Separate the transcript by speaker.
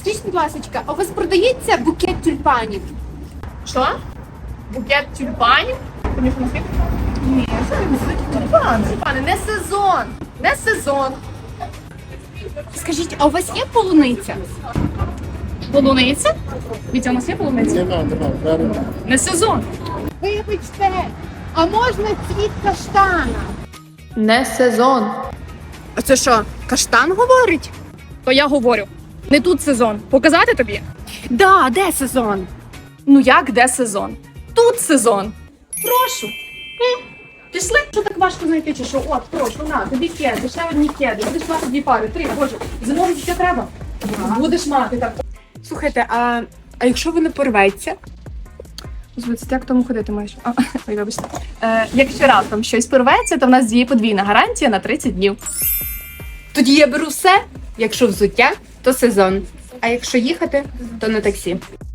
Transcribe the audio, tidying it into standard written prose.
Speaker 1: Скажіть, будь ласка, а у вас продається букет тюльпанів?
Speaker 2: Що? Букет тюльпанів?
Speaker 1: Ні,
Speaker 2: Тюльпани. Тюльпани, не сезон. Не сезон.
Speaker 1: Скажіть, а у вас є полуниця?
Speaker 2: Полуниця? Вітя, у нас є полуниця?
Speaker 3: Нема.
Speaker 2: Не сезон.
Speaker 1: Вибачте, а можна цвіт каштана?
Speaker 2: Не сезон.
Speaker 1: А це що, каштан говорить?
Speaker 2: То я говорю. Не тут сезон. Показати тобі?
Speaker 1: Да, де сезон?
Speaker 2: Ну як, де сезон? Тут сезон. Прошу. Пішли? Що так важко знайти, чи що? От, прошу, на, тобі кеди, ще одні кеди. Будеш мати 2 пари, 3, боже. Зимові ще треба? Будеш мати так.
Speaker 1: Слухайте, а якщо воно порветься?
Speaker 2: Звідси, як тому ходити маєш? Ой, вибачте. Якщо раптом щось порветься, то в нас діє подвійна гарантія на 30 днів.
Speaker 1: Тоді я беру все. Якщо взуття, то сезон. А якщо їхати, то на таксі.